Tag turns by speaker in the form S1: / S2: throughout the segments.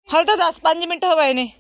S1: ਹਾਲੇ ਤਾਂ 10-5 ਮਿੰਟ ਹੋਏ ਨੇ।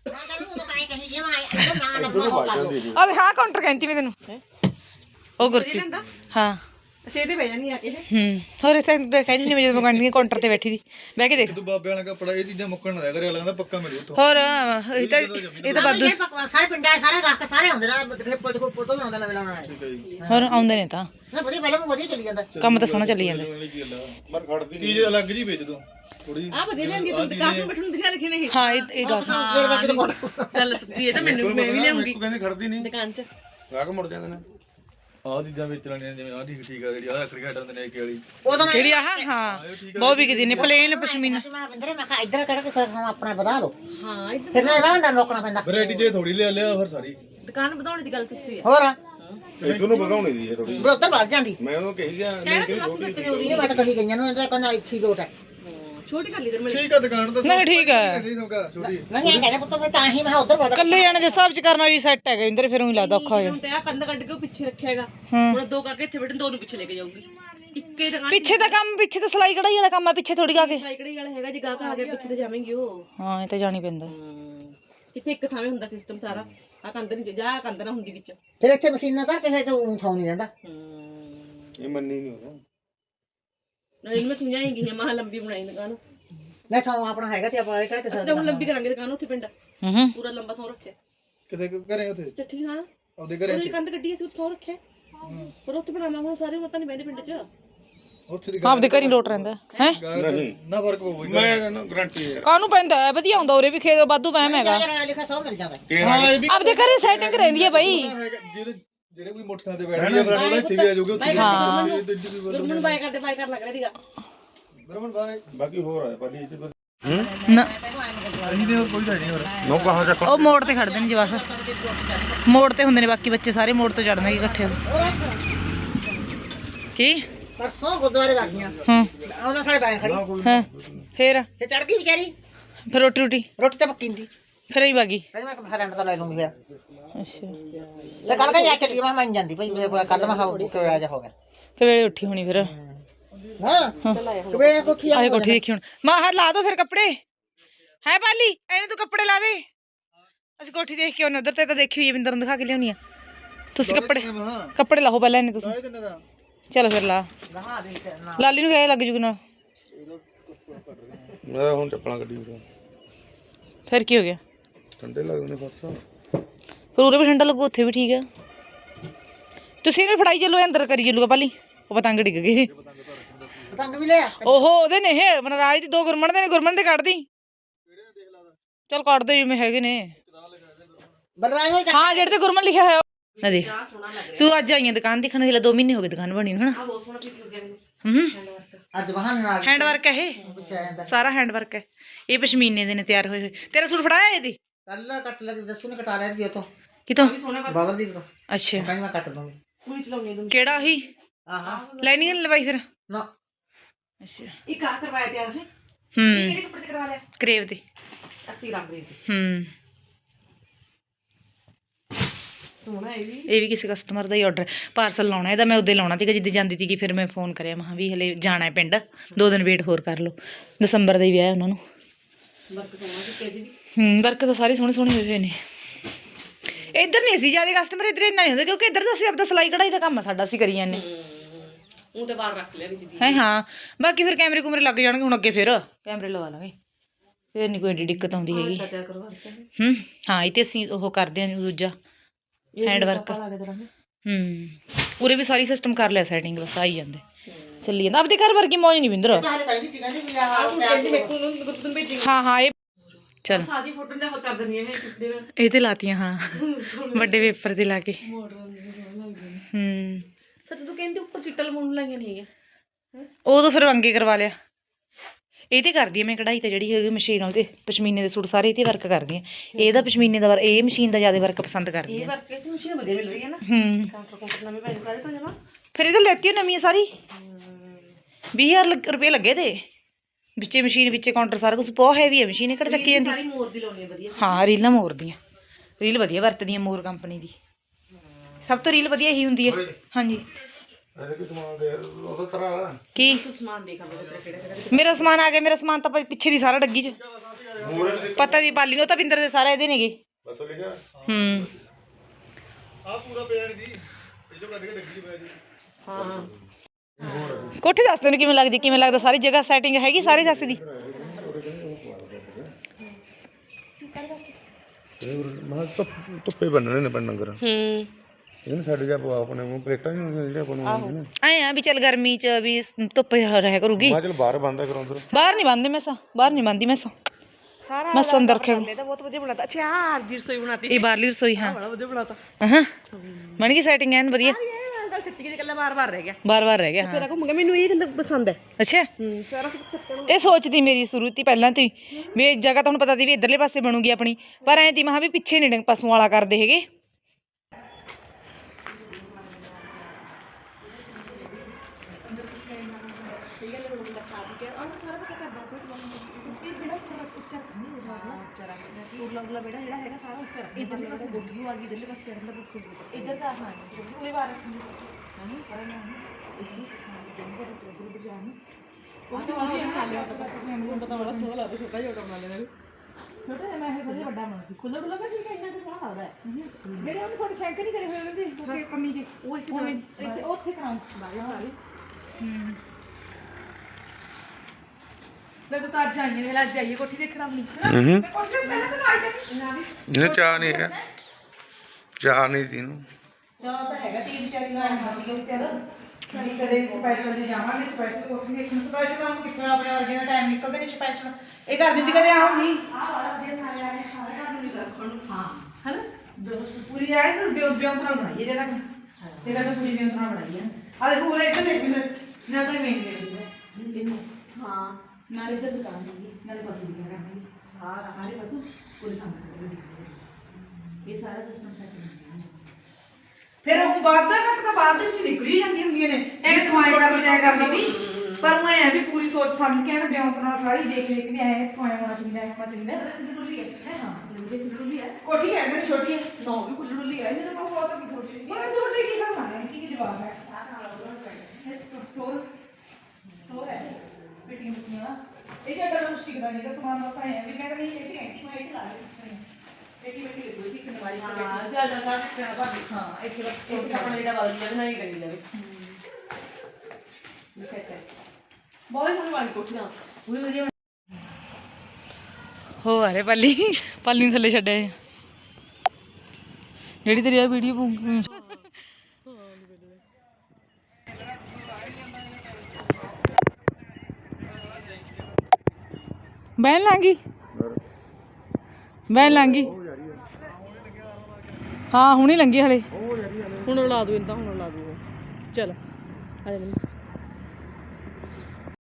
S1: ਅਰੇ ਹਾਂ ਕਾਊਂਟਰ ਕਹਿੰਦੀ ਮੈਂ ਤੈਨੂੰ ਉਹ ਕੁਰਸੀ ਹਾਂ
S2: ਇਹਦੇ ਬਹਿ ਜਾਣੀ ਆ ਕੇ
S1: ਹੋਰ ਇਸ ਤੇ ਕਹਿੰਦੀ ਨਹੀਂ ਮੈਂ ਜਦੋਂ ਕਹਿੰਦੀ ਕਾਊਂਟਰ ਤੇ ਬੈਠੀ ਦੀ ਬਹਿ ਕੇ ਦੇਖ
S3: ਤੂੰ ਬਾਬੇ ਵਾਲਾ ਕੱਪੜਾ ਇਹ ਚੀਜ਼ਾਂ ਮੁੱਕਣ ਨਾ ਦਿਆ ਕਰੇ ਲੱਗਦਾ ਪੱਕਾ ਮਿਲੂ ਉੱਥੋਂ।
S1: ਹੋਰ ਇਹ ਤਾਂ ਵਾਧੂ
S2: ਸਾਰੇ ਪਿੰਡਾਂ ਸਾਰੇ ਗਾਹਕ ਸਾਰੇ ਆਉਂਦੇ ਨੇ ਪੁੱਤੋਂ ਵੀ ਆਉਂਦਾ ਨਵੇਂ ਲਾਉਣ ਵਾਲੇ।
S3: ਠੀਕ ਹੈ ਜੀ।
S1: ਹੋਰ ਆਉਂਦੇ ਨੇ ਤਾਂ
S2: ਨਾ ਵਧੀਆ ਪਹਿਲਾਂ ਨੂੰ ਵਧੀਆ ਚੱਲੀ ਜਾਂਦਾ।
S1: ਕੰਮ ਤਾਂ ਸੋਹਣਾ ਚੱਲੀ ਜਾਂਦਾ।
S3: ਪਰ ਖੜਦੀ ਨਹੀਂ ਚੀਜ਼ ਅਲੱਗ ਜੀ ਵੇਚ ਦੋ ਥੋੜੀ
S2: ਆ ਵਧੀਆ ਲੈਣਗੇ ਤੂੰ ਦੁਕਾਨ ਨੂੰ ਬੈਠਣ ਨੂੰ ਦਿਖਾ ਲਿਖੇ ਨੇ
S1: ਹਾਂ ਇਹ ਗੱਲ
S2: ਫੇਰ ਬਾਕੀ ਤਾਂ ਗੱਲ ਸੱਚੀ ਇਹ ਤਾਂ ਮੈਨੂੰ ਮੈਂ ਵੀ ਲਿਆਉਂਗੀ
S3: ਕਹਿੰਦੀ ਖੜਦੀ ਨਹੀਂ
S2: ਦੁਕਾਨ 'ਚ
S3: ਗਾਹਕ ਮੁੜ ਜਾਂਦੇ ਨੇ। ਆਹ ਚੀਜ਼ਾਂ ਵੇਚ ਲੈਣੀਆਂ ਜਿਵੇਂ ਆਹ ਠੀਕ ਆ ਜਿਹੜੀ ਆਹ ਕ੍ਰਿਕਟ ਹੁੰਦੇ ਨੇ ਵਾਲੀ
S2: ਉਦੋਂ
S1: ਜਿਹੜੀ ਆਹ ਹਾਂ ਬਹੁਤ ਵਿਕਦੀ ਨੇ ਪਲੇਨ ਪਸ਼ਮੀਨਾ।
S2: ਮੈਂ ਬਿੰਦਰੇ ਮੈਂ ਕਿਹਾ ਇੱਧਰ ਕਿਹੜਾ ਕਿਸੇ ਨੂੰ ਆਪਣਾ ਵਧਾ ਲਓ ਹਾਂ ਇੱਧਰ ਫਿਰ ਨਾ ਵਾਂਡਾ ਰੋਕਣਾ ਪੈਂਦਾ।
S3: ਵੈਰਾਈਟੀ ਜੇ ਥੋੜੀ ਲਿਆ ਫਿਰ ਸਾਰੀ
S2: ਦੁਕਾਨ ਵਧਾਉਣ ਦੀ ਗੱਲ ਸੱਚੀ ਹੈ। ਹੋਰ
S3: ਇਦੋਂ ਨੂੰ ਵਧਾਉਣੀ ਦੀ ਇਹ ਥੋੜੀ
S2: ਉੱਧਰ ਵੱਧ ਜਾਂਦੀ।
S3: ਮੈਂ ਉਹਨੂੰ ਕਹੀ ਗਿਆ ਨਹੀਂ ਕਿ ਛੋਟੀ
S2: ਮੈਂ ਤਾਂ ਕਹੀ ਗਈਆਂ ਨੂੰ ਇਹਦਾ ਕਹਿੰਦਾ ਇੱਥੇ ਲੋਟ ਹੈ ਛੋਟੀ ਕਰ ਲਈ ਤੇ
S3: ਠੀਕ ਆ ਦੁਕਾਨ ਤਾਂ
S1: ਨਹੀਂ ਠੀਕ ਹੈ
S3: ਨਹੀਂ ਸਮਕਾ ਛੋਟੀ
S2: ਨਹੀਂ ਇਹ ਕਹਿੰਦੇ ਪੁੱਤ ਮੈਂ ਤਾਂ ਹੀ ਮੈਂ ਉੱਧਰ ਵੜ
S1: ਕੱਲੇ ਜਾਣੇ ਦੇ ਹਿਸਾਬ ਚ ਕਰਨ ਵਾਲੀ ਸੈੱਟ ਹੈਗਾ ਇੰਦਰ ਫਿਰ ਉਹੀ ਲੱਗਦਾ ਔਖਾ ਹੋ ਜਾਂਦਾ।
S2: ਹੁਣ ਤੇ ਆ ਕੰਧ ਕੱਢ ਕੇ ਉਹ ਪਿੱਛੇ ਰੱਖਿਆ ਹੈਗਾ ਹੁਣ ਦੋ ਕਰਕੇ ਇੱਥੇ ਬੈਠਣ ਦੋ ਨੂੰ ਪਿੱਛੇ ਲੈ ਕੇ ਜਾਊਗੀ ਇੱਕੇ ਦੁਕਾਨ
S1: ਪਿੱਛੇ ਤਾਂ ਕੰਮ ਪਿੱਛੇ ਤਾਂ ਸਿਲਾਈ ਕਢਾਈ ਵਾਲਾ ਕੰਮ ਆ ਪਿੱਛੇ ਥੋੜੀ ਗਾ ਕੇ
S2: ਸਾਈਕੜੀ ਵਾਲਾ ਹੈਗਾ ਜੇ ਗਾਹਕ ਆ ਗਿਆ ਪਿੱਛੇ ਤੇ ਜਾਵੇਂਗੀ ਉਹ
S1: ਹਾਂ ਇਹ ਤਾਂ ਜਾਣੀ ਪੈਂਦਾ।
S2: ਇੱਥੇ ਇੱਕ ਥਾਵੇਂ ਹੁੰਦਾ ਸਿਸਟਮ ਸਾਰਾ ਆ ਕੰਧ ਨਹੀਂ ਜਾ ਕੰਧ ਨਾ ਹੁੰਦੀ ਵਿੱਚ
S4: ਫਿਰ ਇੱਥੇ ਮਸ਼ੀਨਾਂ ਧਰ ਕੇ ਫਿਰ ਤਾਂ ਊਂ ਥਾਉ ਨਹੀਂ ਰਹਿੰਦਾ।
S3: ਇਹ ਮੰਨੀ ਨਹੀਂ ਹੋਦਾ
S2: ਨਾ ਇਹਨੂੰ ਮੈਂ ਸਮਝਾਏਗੀ ਮਹਾ ਲੰਬੀ ਬਣਾਈ ਦੁਕਾਨ
S4: ਮੈਂ ਥਾਉ ਆਪਣਾ ਹੈਗਾ ਤੇ ਆਪਾਂ ਇਹ ਕਿਹੜਾ
S2: ਅਸੀਂ ਤਾਂ ਹੁਣ ਲੰਬੀ ਕਰਾਂਗੇ ਦੁਕਾਨ ਉੱਥੇ ਪਿੰਡ
S1: ਹੂੰ
S2: ਪੂਰਾ ਲੰਬਾ ਥਾਂ ਰੱਖਿਆ
S3: ਕਿਤੇ ਘਰੇ ਉੱਥੇ
S2: ਚੱਠੀ ਹਾਂ
S3: ਆਪਦੇ ਘਰੇ
S2: ਉਹਦੀ ਕੰਧ ਕੱਢੀ ਅਸੀਂ ਉੱਥੋਂ ਰੱਖਿਆ ਪਰ ਉੱਥੇ ਬਣਾਵਾਂਗੇ ਹੁਣ ਸਾਰੇ ਪਤਾ ਨਹੀਂ ਬੈਠੇ ਪਿੰਡ 'ਚ
S3: ਉੱਥੇ ਦੀ
S1: ਆਪਦੇ ਘਰ ਹੀ ਲੋਟ ਰਹਿੰਦਾ ਹੈ
S3: ਨਹੀਂ ਨਾ ਫਰਕ ਪਊਗਾ ਮੈਂ ਕਹਿੰਦਾ ਗਰੰਟੀ ਹੈ
S1: ਕਾਹਨੂੰ ਪੈਂਦਾ ਹੈ ਵਧੀਆ ਹੁੰਦਾ ਉਰੇ ਵੀ ਖੇਤ ਵਾਧੂ ਬਹਿਮ ਹੈਗਾ
S4: ਜਿਹੜਾ ਲਿਖਿਆ ਸੌ ਮਿਲ ਜਾਂਦਾ।
S3: ਹਾਂ ਇਹ ਵੀ
S1: ਆਪਦੇ ਘਰੇ ਸੈਟਿੰਗ ਰਹਿੰਦੀ ਹੈ ਬਈ।
S3: ਜਿਹੜੇ ਕੋਈ ਮੋਟਰਸਾਈਕਲ ਤੇ ਬੈਠ ਗਿਆ ਉਹਦਾ ਇੱਥੇ ਵੀ ਆ ਜਾਊਗਾ ਉੱਥੇ
S2: ਗੁਰਮਨ ਬਾਈ ਕਰ ਲੱਗ ਰਿਹਾ ਸੀਗਾ
S3: ਬਰਮਨ ਬਾਈ ਬਾਕੀ ਹੋਰ ਆਇਆ ਪਾਲੀ ਇੱਥੇ
S1: ਨਾ
S3: ਅਸੀਂ ਨੇ ਕੋਈ ਨਹੀਂ ਹੋਰ ਨੋ ਕਹਾ ਚੱਕ
S1: ਉਹ ਮੋੜ ਤੇ ਖੜਦੇ ਨੇ ਜਵਾਕ ਮੋੜ ਤੇ ਹੁੰਦੇ ਨੇ ਬਾਕੀ ਬੱਚੇ ਸਾਰੇ ਮੋੜ ਤੋਂ ਚੜਨਾ ਕੀ ਇਕੱਠੇ ਕੀ
S4: ਪਰਸੋਂ ਗੁਰਦੁਆਰੇ ਲੱਗ ਗਈਆਂ
S1: ਹਾਂ
S4: ਉਹਦਾ ਸਾਡੇ ਬਾਹਰ ਖੜੀ
S1: ਹਾਂ ਫਿਰ
S4: ਚੜ ਗਈ ਵਿਚਾਰੀ
S1: ਫਿਰ ਰੋਟੀ
S4: ਰੋਟੀ ਤਾਂ ਪੱਕੀ ਨਹੀਂ
S1: ਫਿਰ ਹੀ ਬਾਗੀ
S4: ਕਹਿੰਦੀ ਮੈਂ ਫਰੈਂਡ ਤਾਂ ਲੈ ਲੂੰਗੀ ਫਿਰ
S1: ਅੱਛਾ
S4: ਤੇ ਕੱਲ ਕਾ ਚੱਲੀ ਮੈਂ ਮੰਨ ਜਾਂਦੀ ਭਾਈ ਕੱਲ ਮੈਂ ਕਿਹਾ ਜਾ ਹੋ ਗਿਆ
S1: ਫਿਰ ਵੇਲੇ ਉੱਠੀ ਹੋਣੀ ਫਿਰ
S4: ਹਾਂ ਕਬੇੜੇ ਕੋਠੀ
S1: ਆਏ ਕੋਠੀ ਦੇਖੀ ਹੁਣ ਮਾਂ ਲਾ ਦੋ ਫਿਰ ਕੱਪੜੇ ਹੈ ਪਾਲੀ ਇਹਨੇ ਤੂੰ ਕੱਪੜੇ ਲਾ ਦੇ ਅਸੀਂ ਕੋਠੀ ਦੇਖ ਕੇ ਆਉਣੇ ਉਧਰ ਤੇ ਤਾਂ ਦੇਖੀ ਹੋਈ ਬਿੰਦਰ ਨੂੰ ਦਿਖਾ ਕੇ ਲਿਆਉਣੀ ਆ ਤੁਸੀਂ ਕੱਪੜੇ ਲਾਹੋ ਪਹਿਲਾਂ ਇਹਨੇ ਤੁਸੀਂ ਚਲੋ ਫਿਰ ਲਾ
S4: ਨਹਾ ਦੇ
S1: ਲਾਲੀ ਨੂੰ ਕਿਹਾ ਲੱਗ ਜੂਗਾ ਨਾਲ
S3: ਮੈਂ ਹੁਣ ਚੱਪਲਾਂ ਕੱਢੀ
S1: ਫਿਰ ਕੀ ਹੋ ਗਿਆ
S3: ਠੰਡੇ ਲੱਗਦੇ ਨੇ ਫਰਸਾ
S1: ਫਿਰ ਉਰੇ ਵੀ ਠੰਡਾ ਲੱਗੂ ਉੱਥੇ ਵੀ ਠੀਕ ਆ ਤੁਸੀਂ ਇਹਨੇ ਫੜਾਈ ਚੱਲੋ ਅੰਦਰ ਕਰੀ ਚੱਲੂਗਾ ਪਾਲੀ ਉਹ ਪਤੰਗ ਡਿੱਗ ਗਏ
S4: ਪਤੰਗ ਵੀ ਲਿਆ
S1: ਓਹੋ ਉਹਦੇ ਨੇ ਇਹ ਮਨਰਾਜ ਦੀ 2 ਗੁਰਮਣ ਦੇ ਨੇ ਗੁਰਮਣ ਦੇ ਕੱਢਦੀ ਚਲ ਕੱਢ ਦੇ ਜਿਵੇਂ ਹੈਗੇ ਨੇ
S4: ਬਲਰਾਜ ਹੋਈ
S1: ਹਾਂ ਜਿਹੜੇ ਤੇ ਗੁਰਮਣ ਲਿਖਿਆ ਹੋਇਆ ਨਾ ਦੇਖ ਤੂੰ ਅੱਜ ਆਈਆਂ ਦੁਕਾਨ ਦੇਖਣ ਦੇ 2 ਮਹੀਨੇ ਹੋ ਗਏ ਦੁਕਾਨ ਬਣੀ ਨੂੰ ਹਨਾ ਹੂੰ
S4: ਅੱਜ ਬਹਾਨੇ ਨਾਲ
S1: ਹੈਂਡ ਵਰਕ ਹੈ ਇਹ ਸਾਰਾ ਹੈਂਡ ਵਰਕ ਹੈ ਇਹ ਪਸ਼ਮੀਨੇ ਦੇ ਨੇ ਤਿਆਰ ਹੋਏ ਹੋਏ ਤੇਰਾ ਸੂਟ ਫੜਾਇਆ ਇਹਦੀ
S4: ਕੱਲ ਕੱਟ ਲਿਆ ਜੱਸੂ ਨੇ ਕਟਾ ਲਿਆ ਜੀ ਉਤੋਂ
S1: ਕਿਤੋਂ
S4: ਬਾਬਲਦੀਪ ਤੋਂ
S1: ਅੱਛਾ
S4: ਕਹਿੰਦੀ ਮੈਂ ਕੱਟ ਦੂੰਗੀ
S2: ਪੂਰੀ ਚਲਾਉਣੀ ਤੁਮ
S1: ਕਿਹੜਾ ਹੀ
S4: ਆਹਾ
S1: ਲਾਈਨਿੰਗ ਲਵਾਈ ਫਿਰ
S4: ਨਾ
S1: ਅੱਛਾ
S2: ਇੱਕ ਆ ਕਰਵਾਇਆ ਤਿਆਰ ਹੈ
S1: ਹੂੰ
S2: ਕਿਹੜੇ ਕੱਪੜੇ ਤੇ ਕਰਵਾ ਲਿਆ
S1: ਕਰੇਵ ਦੀ
S2: 80 ਰੰਗ ਦੇ
S1: ਹੂੰ
S2: ਸੋਹਣਾ
S1: ਇਹ ਵੀ ਕਿਸੇ ਕਸਟਮਰ ਦਾ ਹੀ ਆਰਡਰ ਪਾਰਸਲ ਲਾਉਣਾ ਇਹਦਾ ਮੈਂ ਉਦੋਂ ਲਾਉਣਾ ਸੀਗਾ ਜਿੱਦੇ ਜਾਂਦੀ ਸੀਗੀ ਫਿਰ ਮੈਂ ਫੋਨ ਕਰਿਆ ਮਹਾਂ ਵੀ ਹਲੇ ਜਾਣਾ ਹੈ ਪਿੰਡ 2 ਦਿਨ ਵੇਟ ਹੋਰ ਕਰ ਲਓ ਦਸੰਬਰ ਦਾ ਹੀ ਵਿਆਹ ਹੈ ਉਹਨਾਂ ਨੂੰ
S2: ਵਰਕ ਸੋਹਣਾ ਕਿਤੇ ਦੀ
S1: ਵਰਕ ਤਾਂ ਸਾਰੇ ਸੋਹਣੇ ਹੋਏ ਨੇ ਇੱਧਰ ਨਹੀਂ ਸੀ ਜਿਆਦਾ ਕਸਟਮਰ ਇੱਧਰ ਇੰਨਾ ਨਹੀਂ ਹੁੰਦਾ ਕਿਉਂਕਿ ਇੱਧਰ ਤਾਂ ਅਸੀਂ ਆਪਦਾ ਸਿਲਾਈ ਕਢਾਈ ਦਾ ਕੰਮ ਆ ਸਾਡਾ ਅਸੀਂ ਕਰੀ ਜਾਂਦੇ
S2: ਉਹ ਤੇ ਬਾਹਰ ਰੱਖ ਲਿਆ ਵਿੱਚ ਦੀ
S1: ਹੈ ਹਾਂ ਬਾਕੀ ਫਿਰ ਕੈਮਰੇ ਕੁਮਰੇ ਲੱਗ ਜਾਣਗੇ ਹੁਣ ਅੱਗੇ ਫਿਰ ਕੈਮਰੇ ਲਵਾ ਲਾਂਗੇ ਫਿਰ ਨਹੀਂ ਕੋਈ ਏਡੀ ਦਿੱਕਤ ਆਉਂਦੀ ਹੈਗੀ
S2: ਤਿਆਰ ਕਰਵਾ ਦਿੱਤਾ
S1: ਹਾਂ ਇਹ ਤੇ ਅਸੀਂ ਉਹ ਕਰਦੇ ਹਾਂ ਦੂਜਾ ਹੈਂਡ ਵਰਕ ਉਰੇ ਵੀ ਸਾਰੀ ਸਿਸਟਮ ਕਰ ਲਿਆ ਸੈਟਿੰਗ ਬਸ ਆਈ ਜਾਂਦੇ ਚੱਲੀ ਜਾਂਦਾ ਆਪਦੇ ਘਰ ਵਰਗੀ ਮੌਜ ਨਹੀਂ ਬਿੰਦਰ
S4: ਹਾਲੇ ਕਹਿੰਦੀ ਸੀ ਕਹਿੰਦੀ ਵੀ ਆਹ
S2: ਕਹਿੰਦੀ ਮੈਂ ਕੋਲ ਗੁਰਦਨ ਭੇਜੀ
S1: ਹਾਂ ਇਹ ਚਲ
S2: ਸਾਜੀ ਫੋਟੋ ਨੇ ਕਰ ਦਿੰਦੀ ਹੈ
S1: ਇਹ ਤੇ ਲਾਤੀਆਂ ਹਾਂ ਵੱਡੇ ਪੇਪਰ ਤੇ ਲਾ ਕੇ
S2: ਸਰ ਤੂੰ ਕਹਿੰਦੀ ਉੱਪਰ ਚਿੱਟਲ ਮੁੰਨ ਲਾਈਆਂ ਨਹੀਂ ਹੈ
S1: ਉਦੋਂ ਫਿਰ ਅੰਗੇ ਕਰਵਾ ਲਿਆ ਇਹ ਤੇ ਕਰਦੀ ਆ ਮੈਂ ਕਢਾਈ ਤੇ ਜਿਹੜੀ ਹੈਗੀ ਮਸ਼ੀਨ ਨਾਲ ਤੇ ਪਸ਼ਮੀਨੇ ਦੇ ਸੂਟ ਸਾਰੇ ਇਹ ਤੇ ਵਰਕ ਕਰਦੀ ਆ ਇਹਦਾ ਪਸ਼ਮੀਨੇ ਦਾ ਇਹ ਮਸ਼ੀਨ ਦਾ ਜ਼ਿਆਦਾ ਵਰਕ ਪਸੰਦ ਕਰਦੀ
S2: ਇਹ ਵਰਕ ਇਹ ਮਸ਼ੀਨ ਵਧੀਆ ਮਿਲ ਰਹੀ ਹੈ ਨਾ ਕਾਊਂਟਰ ਨਵੇਂ ਪੈਸੇ ਸਾਰੇ ਤਾਂ ਜਮਾ
S1: ਫਿਰ ਇਹ ਤਾਂ ਲੈਤੀ ਹੋ ਨਵੀਂ ਸਾਰੀ 20,000 ਰੁਪਏ ਲੱਗੇ ਤੇ ਵਿੱਚੇ ਮਸ਼ੀਨ ਵਿੱਚੇ ਕਾਊਂਟਰ ਸਾਰਾ ਕੁਝ ਬਹੁਤ ਹੈਵੀ ਹੈ ਮਸ਼ੀਨ ਕਿਹੜਾ ਚੱਕੀ ਜਾਂਦੀ
S2: ਸਾਰੀ ਮੋਰ ਦੀ ਲਾਉਣੀ ਹੈ ਵਧੀਆ
S1: ਹਾਂ ਰੀਲਾਂ ਮੋਰ ਦੀਆਂ ਰੀਲ ਵਧੀਆ ਵਰਤਦੀਆਂ ਮੋਰ ਕੰਪਨੀ ਦੀ ਸਭ ਤੋਂ ਰੀਲ ਵਧੀਆ ਹੀ ਹੁੰਦੀ ਹੈ ਹਾਂਜੀ
S3: ਉਹਦਾ ਤਰ੍ਹਾਂ
S1: ਕੀ
S2: ਤੂੰ ਸਮਾਨ ਦੇਖ ਆਪਣੇ ਤੇਰਾ ਕਿਹੜਾ
S1: ਮੇਰਾ ਸਮਾਨ ਆ ਗਿਆ ਮੇਰਾ ਸਮਾਨ ਤਾਂ ਪਿੱਛੇ ਦੀ ਸਾਰਾ ਡੱਗੀ 'ਚ ਪਤਾ ਜੀ ਪਾਲੀ ਨੂੰ ਤਾਂ ਬਿੰਦਰ ਦੇ ਸਾਰੇ ਇਹਦੇ ਨੇਗੇ।
S3: ਬਸ ਲਿਖਿਆ
S1: ਹੂੰ
S3: ਆ ਪੂਰਾ ਪਿਆ ਨਹੀਂ ਦੀ ਇਹ ਜੋ ਕੱਢ ਕੇ ਡੱਗੀ ਪਿਆ ਜੀ।
S2: ਹਾਂ
S1: ਕੋਠੀ ਦੱਸ ਤੈਨੂੰ ਕਿਵੇਂ ਲੱਗਦੀ, ਕਿਵੇਂ ਲੱਗਦਾ? ਸਾਰੀ ਜਗ੍ਹਾ ਸੈਟਿੰਗ ਹੈਗੀ ਸਾਰੇ ਜੱਸ ਦੀ?
S3: ਧੁੱਪੇ ਬੰਨਣੇ ਨੇ ਨੰਗਰ
S2: ਹੂੰ
S3: ਇਹਨੂੰ ਛੱਡ ਜਾ ਪਵਾ ਆਪਣੇ ਮੂੰਹ ਪਲੇਟਾਂ ਜਿਹੜੇ ਆਪਾਂ ਨੂੰ
S1: ਐ ਆ ਵੀ ਚੱਲ ਗਰਮੀ ਚ ਵੀ ਧੁੱਪ ਰਹਿ ਕਰੂਗੀ।
S3: ਚਲ ਬਾਹਰ ਬੰਦਾ ਕਰੋ ਅੰਦਰ
S1: ਬਾਹਰ ਨਹੀਂ ਬੰਨਦੇ ਮੈਸਾਂ, ਬਾਹਰ ਨਹੀਂ ਬੰਨਦੀ ਮੈਸਾਂ।
S2: ਸਾਰਾ
S1: ਮੈਂ ਅੰਦਰ ਰੱਖਿਆ
S2: ਤਾਂ ਬਹੁਤ ਵਧੀਆ ਬਣਾਤਾ। ਅੱਛਾ ਆਹ ਜੀ ਰਸੋਈ ਬਣਾਤੀ
S1: ਇਹ ਬਾਹਰਲੀ ਰਸੋਈ। ਹਾਂ
S2: ਬੜਾ ਵਧੀਆ ਬਣਾਤਾ।
S1: ਹਾਂ ਬਣ ਗਈ ਸੈਟਿੰਗ ਐਨ ਵਧੀਆ।
S2: ਇਹ ਗੱਲ ਛੱਤੀ ਦੀ ਗੱਲਾਂ ਬਾਰ-ਬਾਰ ਰਹਿ ਗਿਆ।
S1: ਬਾਰ-ਬਾਰ ਰਹਿ ਗਿਆ। ਹਾਂ
S2: ਤੇਰਾ ਘੁੰਮ ਗਿਆ, ਮੈਨੂੰ ਇਹ ਗੱਲ ਪਸੰਦ ਹੈ।
S1: ਅੱਛਾ
S2: ਸਾਰਾ ਕੁਝ ਚੱਕਣ
S1: ਇਹ ਸੋਚਦੀ ਮੇਰੀ ਸ਼ੁਰੂ ਤੋਂ ਪਹਿਲਾਂ ਤੋਂ ਹੀ ਵੀ ਇਹ ਜਗ੍ਹਾ ਤੁਹਾਨੂੰ ਪਤਾ ਸੀ ਵੀ ਇਧਰਲੇ ਪਾਸੇ ਬਣੂਗੀ ਆਪਣੀ, ਪਰ ਐਂ ਤੀ ਮਹਾਂ ਵੀ ਪਿੱਛੇ ਨਹੀਂ ਪਸ਼ੂਆਂ ਵਾਲਾ ਕਰਦੇ ਹੈਗੇ।
S2: ਉਰਲਾ ਬੇੜਾ ਜਿਹੜਾ ਹੈਗਾ ਸਾਰਾ ਉੱਚਾ ਰੱਖ। ਇਧਰਲੇ ਪਾਸੇ ਗੋਠੀ ਆ ਗਈ, ਇਧਰਲੇ ਪਾਸੇ ਚੜਨ ਦਾ ਬੁਕਸ ਇੱਧਰ ਦਾ ਹਾਂ ਪੂਰੇ ਵਾਰ ਰੱਖਣੀ ਨਹੀਂ ਪਰ ਨਾ ਉਹ ਤਾਂ ਵਧੀਆ ਬਣਾ ਲਿਆ। ਮੈਨੂੰ ਪਤਾ ਬੜਾ ਸੋਹਣਾ ਲੱਗਦਾ। ਛੋਟਾ ਜਿਹਾ ਬਣਾ ਲੈਣਾ ਛੋਟਾ ਜਿਹਾ। ਮੈਂ ਇਹ ਵਧੀਆ ਵੱਡਾ ਬਣਾਉਂਦੀ ਖੁੱਲਾ ਡੁੱਲਾ ਤਾਂ ਠੀਕ ਹੈ, ਇੰਨਾ ਕੁ ਸੋਹਣਾ ਲੱਗਦਾ ਹੈ। ਜਿਹੜੇ ਉਹਨੇ ਥੋੜੇ ਸ਼ੈਂਕ ਨਹੀਂ ਕਰੇ ਹੋਏ ਉਹਨਾਂ ਦੇ ਕਿਉਂਕਿ ਪੰਮੀ ਦੇ ਉਹ ਇੱਥੇ ਉੱਥੇ ਕਰਾਉਂ ਬਾਰੇ ਮੈਂ ਤਾਂ ਅੱਜ ਆਈਏ ਨੇ, ਅੱਜ ਆਈਏ ਕੋਠੀ ਦੇਖਣਾ ਆਪਣੀ।
S3: ਇਹ ਚਾਹ ਨਹੀਂ ਹੈਗਾ, ਚਾਹ ਨਹੀਂ ਦੀ ਨੂੰ
S1: ਚਾਹ ਤਾਂ ਹੈਗਾ ਤੀ ਵਿਚਾਰੀ ਨਾਲ ਮਾਰੀ ਉਹ ਵਿਚਾਰਾ ਕਦੀ ਕਦੇ ਸਪੈਸ਼ਲ ਜੇ ਜਾਵਾਂਗੇ ਸਪੈਸ਼ਲ ਕੋਠੀ ਦੇਖਣ। ਸਪੈਸ਼ਲ ਆਉਂ ਕਿੱਥੇ ਆਪਣੇ ਵਰਗੇ ਦਾ ਟਾਈਮ ਨਿਕਲਦਾ ਨਹੀਂ। ਸਪੈਸ਼ਲ ਇਹ ਕਰ ਦਿੰਦੀ ਕਦੇ ਆਉਂਗੀ। ਆਹ ਵਾਲਾ ਵਧੀਆ ਖਾ ਲਿਆ ਸਾਰੇ ਘਰ ਨੂੰ ਵੀ ਰੱਖਣ ਨੂੰ। ਹਾਂ ਹਨਾ ਪੂਰੀ ਆਏ ਤਾਂ ਬਿਉਂਤਰਾ ਬਣਾਈਏ ਜਗ੍ਹਾ ਤਾਂ ਪੂਰੀ ਬਿਉਂਤਰਾ ਬਣਾਈਏ। ਆ ਦੇਖੋ ਉਹਨੇ ਇੱਧਰ ਦੇਖੀ ਨਾ ਤਾਂ ਮੇਨ ਦੇ ਹਾਂ ਨਾਲ ਇੱਧਰ ਦੁਕਾਨ ਦੀ ਨਾਲ ਪਸ਼ੂ ਦੀ ਜਗ੍ਹਾ ਹੈ। ਸਾਰਾ ਸਾਰੇ ਪਸ਼ੂ ਪੂਰੇ ਸਾਹਮਣੇ ਇਹ ਸਾਰਾ ਸਿਸਟਮ ਸੈੱਟ ਹੈ। ਫਿਰ ਉਹ ਬਾਅਦ ਦਾ ਘੱਟ ਤਾਂ ਬਾਅਦ ਦੇ ਵਿੱਚ ਨਿਕਲੀ ਜਾਂਦੀਆਂ ਹੁੰਦੀਆਂ ਨੇ। ਇਹ ਤੂੰ ਆਏ ਕਰਨੀ ਐ ਕਰਨੀ ਸੀ, ਪਰ ਮੈਂ ਐ ਵੀ ਪੂਰੀ ਸੋਚ ਸਮਝ ਕੇ ਨਾ ਬਿਉਂਤ ਨਾਲ ਸਾਰੀ ਦੇਖ ਦੇਖ ਵੀ ਐ ਤੂੰ ਆਏ ਹੋਣਾ ਚਾਹੀਦਾ, ਹੋਣਾ ਚਾਹੀਦਾ। ਖੁੱਲੀ ਹੈ ਹਾਂ ਖੁੱਲੀ ਹੈ ਕੋਠੀ ਹੈ ਮੇਰੀ ਛੋਟੀ ਹੈ ਨਾ ਵੀ ਖੁੱਲੀ ਡੁੱਲੀ ਹੈ। ਮੇਰੇ ਕੋਲ ਬਹੁਤ ਕੀ ਥੋੜੀ ਜਿਹੀ ਪਰ ਤੁਹਾਡੇ ਕੀ ਕਰਨਾ ਹੈ ਕੀ ਜਵਾਬ ਹੈ? ਸਟੋਰ ਹੈ ਪੇਟੀ ਮੁੱਕਣਾ ਇਹ ਜਿਹੜਾ ਕੁਝ ਟਿਕਦਾ ਨਹੀਂ ਦਾ ਸਮਾਨ ਬਸ ਹੈ ਵੀ ਮੈਂ ਤਾਂ ਨਹੀਂ ਇਹ ਚ ਕਹਿੰਦੀ ਮੈਂ ਇਹ ਲਾ ਲਈ ਪੇਟੀ ਵਿੱਚ ਲੈ ਦੋ ਇੱਕ ਨਵਾਰੀ ਹਾਂ ਜਿਆਦਾ ਸਾਰਾ ਟਿਕਣਾ ਭਾਬੀ। ਹਾਂ ਇੱਥੇ ਬਸ ਇਹ ਆਪਣਾ ਜਿਹੜਾ ਬਦਲ ਜਾਵੇ ਨਾ ਇਹ ਕਰੀ ਜਾਵੇ। ਇਹ ਸੈਟ ਹੈ ਬਹੁਤ ਸੋਹਣੀ ਵਾਲੀ ਕੋਠੀਆਂ ਪੂਰੀ ਵਧੀਆ ਹੋ ਅਰੇ ਪਾਲੀ ਨੂੰ ਥੱਲੇ ਛੱਡਿਆ ਜਿਹੜੀ ਤੇਰੀ ਆ ਵੀਡੀਓ ਪੂੰਗੀ ਬਹਿਣ ਲਾਂਗੀ ਹਾਂ ਹੁਣੇ ਲੰਗੀ ਹਲੇ। ਹੁਣ ਲਾ ਦੂ ਇੰਦਾ ਹੁਣ ਲਾ ਦੂ। ਚਲ ਆ ਜਾ।